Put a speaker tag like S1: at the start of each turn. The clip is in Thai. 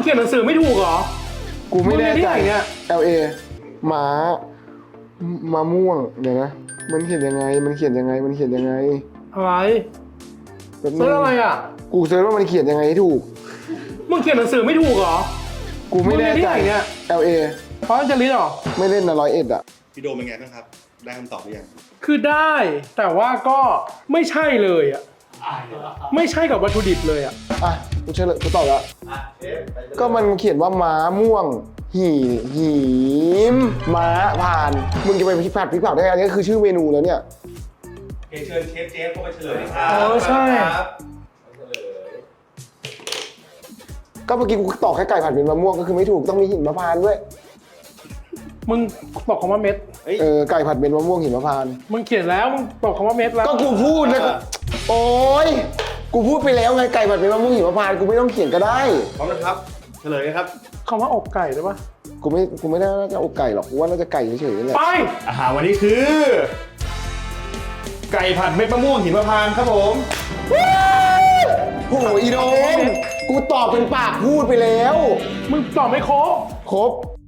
S1: เขียนหนังสือไม่ถูกเหรอ
S2: กูไม่แน่ใจ
S1: เนี่ย
S2: LA ม้ามะม่วงเดี๋ยวนะมันเขียนยังไงมันเขียนยังไงมันเขียนยังไง
S1: อะไร
S2: แบบ
S1: เซิร์ชอะไรอ่ะ
S2: กูเซิร์ชว่ามันเขียนยังไงให้ถูก
S1: มึงเขียนหนังสือไม่ถูกเหรอ
S2: กูไม่แน่ใจ
S1: มึงเรียนที่ไหนเนี่ย
S2: LA
S1: เพราะจะลิสต์เหรอ
S2: ไม่เล่นนะ101อ่ะ
S3: พี่โดมเป็นไงบ้างครับ ได้คำตอบหรือยัง
S1: คือได้แต่ว่าก็ไม่ใช่เลยอ่ะไม่ใช่กับวัตถุดิบเลยอ่ะ
S2: อ่ะกูเชื่อเลยกูตอบแล้วก็มันเขียนว่าม้าม่วงหีมม้าผ่านมึงจะไปพลิกผัดได้อันนี้คือชื่อเมนูแล้วเนี่ย
S3: เชิญเชฟเจฟเข้าไปเฉลยครับ
S1: ใช่
S2: ก็เมื่อกี้กูตอบแค่ไก่ผัดเป็นมะม่วงก็คือไม่ถูกต้องมีหินมะพร้าวด้วย
S1: มึงบอกคำว่าเม็ด
S2: ไก่ผัดเป็นมะม่วงหินมะพร้าว
S1: มึงเขียนแล้วมึงบอกคำว่าเม็ดแล้ว
S2: ก็กูพูดนะโอ๊ยกูพูดไปแล้วไงไก่ผัดเป็นมะม่วงหิมพานต์กูไม่ต้องเขียนก็ได้
S3: พร้อมนะครับ เฉลยนะครับ
S1: คำว่าอกไก่ได้ปะ
S2: กูไม่ได้น่าจะอกไก่หรอกกูว่าน่าจะไก่เฉยๆนี่แหละ
S1: ไป
S3: อาหารวันนี้คือ ไก่ผัดเม็ดมะม่วงหิมพานต์ครับผม
S2: โอ้โหอีโดมกูตอบเป็นปากพูดไปแล้ว
S1: มึงตอบไม่ครบ
S2: ครบ